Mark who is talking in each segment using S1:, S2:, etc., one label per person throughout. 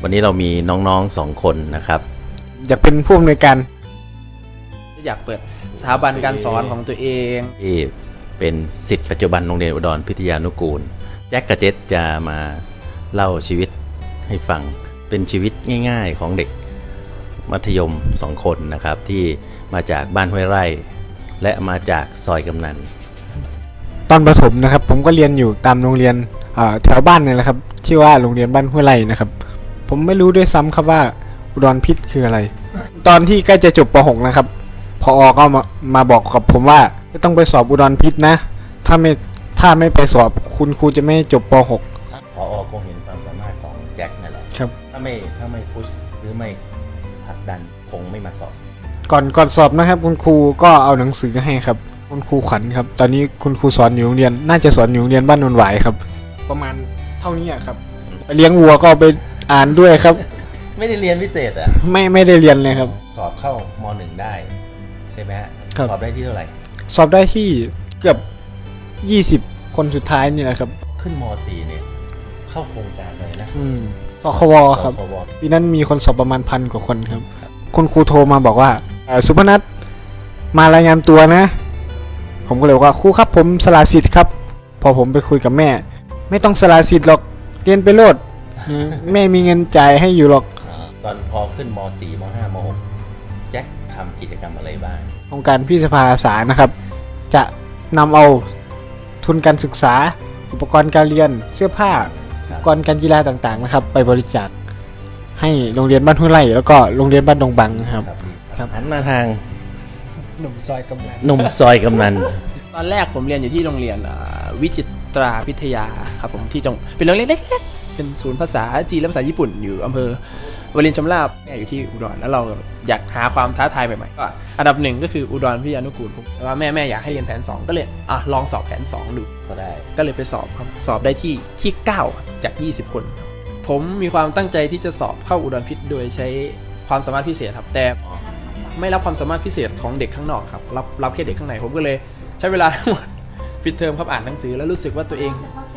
S1: วันนี้เรามีน้องๆ2 คนนะครับ
S2: อยากเป็นผู้อำนวยการ
S3: อยากเปิดสถาบันการสอนของตัวเอง
S1: ที่เป็นศิษย์ปัจจุบันโรงเรียนอุดรพิทยานุกูลแจ็คกับเจษจะมาเล่าชีวิตให้ฟังเป็นชีวิตง่ายๆของเด็กมัธยม2 คนนะครับที่มาจากบ้านห้วยไร่และมาจากซอยกำนัน
S2: ตอนประถมนะครับผมก็เรียนอยู่ตามโรงเรียนแถวบ้านนี่แหละครับชื่อว่าโรงเรียนบ้านห้วยไร่นะครับผมไม่รู้ด้วยซ้ำครับว่าอุดรพิษคืออะไรตอนที่ใกล้จะจบป .6 นะครับพอก็มาบอกกับผมว่าจะต้องไปสอบอุดรพิษนะถ้าไม่ไปสอบคุณครูจะไม่จบป .6
S1: พอคงเห็นความสามารถของแจ็คนั่นแหละ
S2: ครับ
S1: ถ้าไม่พุชหรือไม่ผลักดันคงไม่มาสอบ
S2: ก่อนสอบนะครับคุณครูก็เอาหนังสือให้ครับคุณครูขวัญครับตอนนี้คุณครูสอนอยู่โรงเรียนน่าจะสอนอยู่โรงเรียนบ้านนนหวายครับประมาณเท่านี้ครับไปเลี้ยงวัวก็ไปอ่านด้วยครับ
S1: ไม่ได้เรียนพิเศษอ่ะ
S2: ไม่ได้เรียนเลยครับ
S1: สอบเข้าม.1 ได้ใช่ไหมฮะสอบได้ที่เท่าไหร่
S2: สอบได้ที่เกือบ20 คนสุดท้ายนี่แหละครับ
S1: ขึ้นม.4 เนี่ยเข้าโครงการเลยนะ
S2: สควครับปีนั้นมีคนสอบประมาณ1,000 กว่าคนครับคุณครูโทรมาบอกว่าสุพนัทมารายงานตัวนะผมก็เลยบอกว่าครูครับผมสละสิทธิ์ครับพอผมไปคุยกับแม่ไม่ต้องสละสิทธิ์หรอกเรียนไปโลดแม่มีเงินจ่ายให้อยู่หรอก
S1: ตอนพอขึ้นม.4 ม.5 ม.6 แจ็คทำกิจกรรมอะไรบ้าง
S2: องค์การพิสภาอาสานะครับจะนำเอาทุนการศึกษาอุปกรณ์การเรียนเสื้อผ้าอุปกรณ์การกีฬาต่างๆนะครับไปบริจาคให้โรงเรียนบ้านห้วยไร่แล้วก็โรงเรียนบ้านดงบังครับ
S1: หันมาทาง
S3: หนุ่มซอยกำนันตอนแรกผมเรียนอยู่ที่โรงเรียนวิจิตราพิทยาครับผมที่เป็นโรงเรียนเล็กๆเป็นศูนย์ภาษาจีนและภาษาญี่ปุ่นอยู่อำเภอวลินชำราบแม่อยู่ที่อุดรแล้วเราอยากหาความท้าทายใหม่ๆก็อันดับ1ก็คืออุดรพิทยานุกูลแต่ว่าแม่อยากให้เรียนแผน2ก็เลยลองสอบแผน2ดูก็เลยไปสอบครับสอบได้ที่9จาก20 คนผมมีความตั้งใจที่จะสอบเข้าอุดรพิทย์โดยใช้ความสามารถพิเศษครับแต่ไม่รับความสามารถพิเศษของเด็กข้างนอกครับรับแค่เด็กข้างในผมก็เลยใช้เวลาทั้งหมดปิดเทอมครับอ่านหนังสือแล้วรู้สึกว่าตัวเอง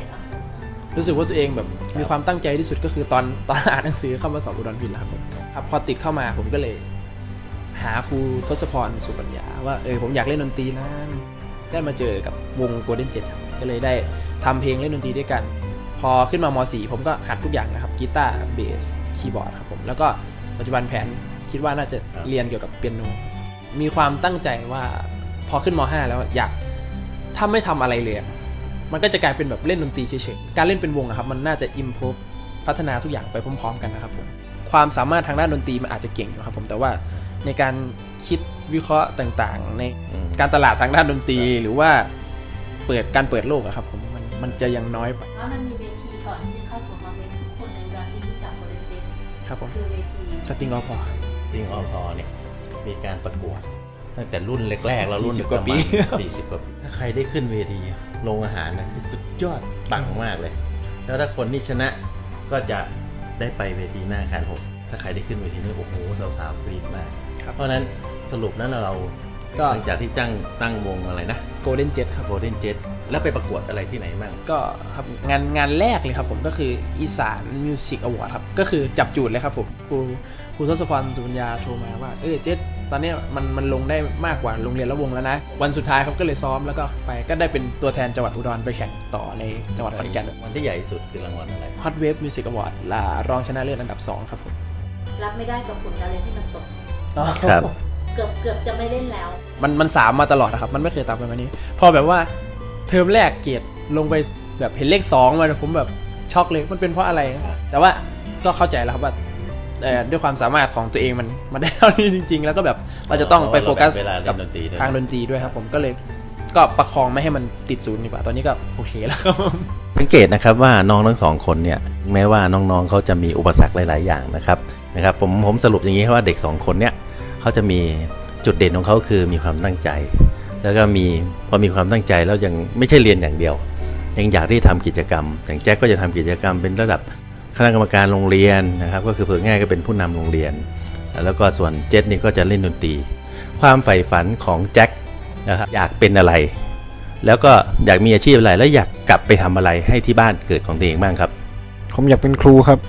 S3: แบบมีความตั้งใจที่สุดก็คือตอนอ่านหนังสือเข้ามาสอบอุดรพิทย์นะครับพอติดเข้ามาผมก็เลยหาครูทศพรสุปัญญาว่าผมอยากเล่นดนตรีนะได้มาเจอกับวง Golden Jet ครับก็เลยได้ทำเพลงเล่นดนตรีด้วยกันพอขึ้นมาม.4 ผมก็หัดทุกอย่างนะครับกีตาร์เบสคีย์บอร์ดครับผมแล้วก็ปัจจุบันแผนคิดว่าน่าจะเรียนเกี่ยวกับเปียโนมีความตั้งใจว่าพอขึ้นม.5 แล้วอยากถ้าไม่ทำอะไรเลยมันก็จะกลายเป็นแบบเล่นดนตรีเฉยๆการเล่นเป็นวงครับมันน่าจะอิมพรูฟพัฒนาทุกอย่างไปพร้อมๆกันนะครับผมความสามารถทางด้านดนตรีมันอาจจะเก่งนะครับผมแต่ว่าในการคิดวิเคราะห์ต่างๆในการตลาดทางด้านดนตรีหรือว่าเปิดโลกครับผมมันจะยังน้อยไป
S4: มันมีเวทีก่อนที่จะเข้าสู่มาเป็นทุกคนในการที่รู้จักโมเดลเจน
S3: ครับผม
S4: คือเวที
S3: สติงออพอ
S1: เนี่ยมีการประกวดตั้งแต่รุ่นแรกๆแล้วรุ่น40 กว่าปีถ้าใครได้ขึ้นเวทีโรงอาหารนะคือสุดยอดปังมากเลยแล้วถ้าคนที่ชนะก็จะได้ไปเวทีหน้าคานผมถ้าใครได้ขึ้นเวทีนี้โอ้โหสาวๆกรี๊ดมากเพราะนั้นสรุปนั้นเราหลังจากที่ตั้งวงอะไรนะ
S3: Golden Jet ครับ
S1: Golden Jet แล้วไปประกวดอะไรที่ไหนบ้าง
S3: ก็ครับงานแรกเลยครับผมก็คืออีสานมิวสิกอวอร์ดครับก็คือจับจูดเลยครับผมครูทศพรสุปัญญาโทรมาว่าเจษตอนนี้มันลงได้มากกว่าโรงเรียนละวงแล้วนะวันสุดท้ายครับก็เลยซ้อมแล้วก็ไปก็ได้เป็นตัวแทนจังหวัดอุดรไปแข่งต่อในจังหวัดขอนแก่น
S1: วันที่ใหญ่สุดคือรางวัลอะไร
S3: Hot Wave Music Award รองชนะเลิศอันดับ2ครับผม
S4: รับไม่ได้กับผลการเรียนที่มันตก
S1: ครับ
S4: เกือบจะไม่เล่นแล้ว
S3: มัน3มาตลอดนะครับมันไม่เคยต่ำไปกว่านี้พอแบบว่าเทอมแรกเกรดลงไปแบบเห็นเลข2มาผมแบบช็อกเลยมันเป็นเพราะอะไรแต่ว่าก็เข้าใจแล้วครับว่าด้วยความสามารถของตัวเองมันได้เท่านี้จริงๆแล้วก็แบบเราจะต้องไปโฟกัสกับทางดนตรีด้วยครับผมก็เลยก็ประคองไม่ให้มันติดศูนย์ดีกว่าตอนนี้ก็โอเคแล้วครับ
S1: สังเกตนะครับว่าน้องทั้ง2 คนเนี่ยแม้ว่าน้องๆเขาจะมีอุปสรรคหลายๆอย่างนะครับผมสรุปอย่างนี้ว่าเด็ก2 คนเนี่ยเขาจะมีจุดเด่นของเขาคือมีความตั้งใจแล้วก็พอมีความตั้งใจแล้วยังไม่ใช่เรียนอย่างเดียวยังอยากที่ทำกิจกรรมอย่างแจ็คก็จะทำกิจกรรมเป็นระดับคณะกรรมการโรงเรียนนะครับก็คือเผื่อง่ายก็เป็นผู้นำโรงเรียนแล้วก็ส่วนเจษนี่ก็จะเล่นดนตรีความใฝ่ฝันของแจ็คนะครับอยากเป็นอะไรแล้วก็อยากมีอาชีพอะไรแล้วอยากกลับไปทำอะไรให้ที่บ้านเกิดของตัวเองบ้างครับ
S2: ผมอยากเป็นครูครับ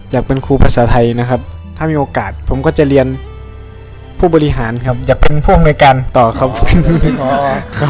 S2: อยากเป็นครูภาษาไทยนะครับ ถ้ามีโอกาสผมก็จะเรียนผู้บริหารครับอยากเป็นผู้อำนวยการต่อครับ ครับ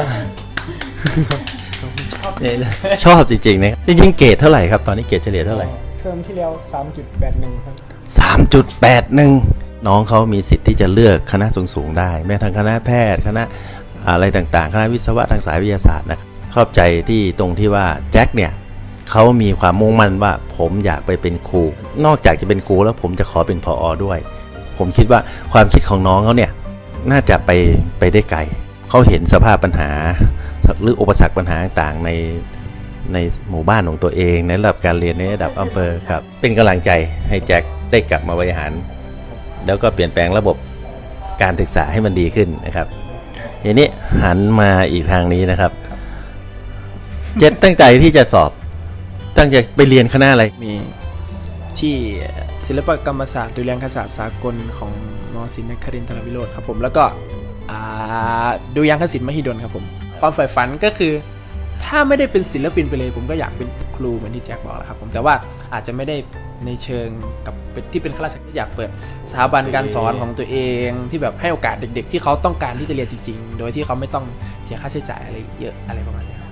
S1: ชอบจริงๆนะจริงๆเกรดเท่าไหร่ครับตอนนี้เกรดเฉลี่ยเท่าไหร่
S2: เทอมที่แล้ว 3.81 ครับ
S1: 3.81 น้องเขามีสิทธิ์ที่จะเลือกคณะสูงๆได้แม้ทางคณะแพทย์คณะอะไรต่างๆคณะวิศวะทางสายวิทยาศาสตร์นะครับเข้าใจที่ตรงที่ว่าแจ็คเนี่ยเขามีความมุ่งมั่นว่าผมอยากไปเป็นครูนอกจากจะเป็นครูแล้วผมจะขอเป็นผอ.ด้วยผมคิดว่าความคิดของน้องเขาเนี่ยน่าจะไปได้ไกลเขาเห็นสภาพปัญหาหรืออุปสรรคปัญหาต่างๆในหมู่บ้านของตัวเองในระดับการเรียนในระดับอำเภอครับเป็นกำลังใจให้แจ็คได้กลับมาบริหารแล้วก็เปลี่ยนแปลงระบบการศึกษาให้มันดีขึ้นนะครับทีนี้หันมาอีกทางนี้นะครับเจ็ดตั้งใจที่จะสอบตั้งใจไปเรียนคณะอะไร
S3: มีที่ศิลปกรรมศาสตร์ดุริยางคศาสตร์สากลของมศิลป์นครินทรวิโรธครับผมแล้วก็ดุริยางคศิลป์มหิดลครับผมความใฝ่ฝันก็คือถ้าไม่ได้เป็นศิลปินไปเลยผมก็อยากเป็นครูเหมือนที่แจ็คบอกแหละครับผมแต่ว่าอาจจะไม่ได้ในเชิงกับที่เป็นข้าราชการอยากเปิดสถาบันการสอนของตัวเองที่แบบให้โอกาสเด็กๆที่เขาต้องการที่จะเรียนจริงๆโดยที่เขาไม่ต้องเสียค่าใช้จ่ายอะไรเยอะอะไรประมาณนี้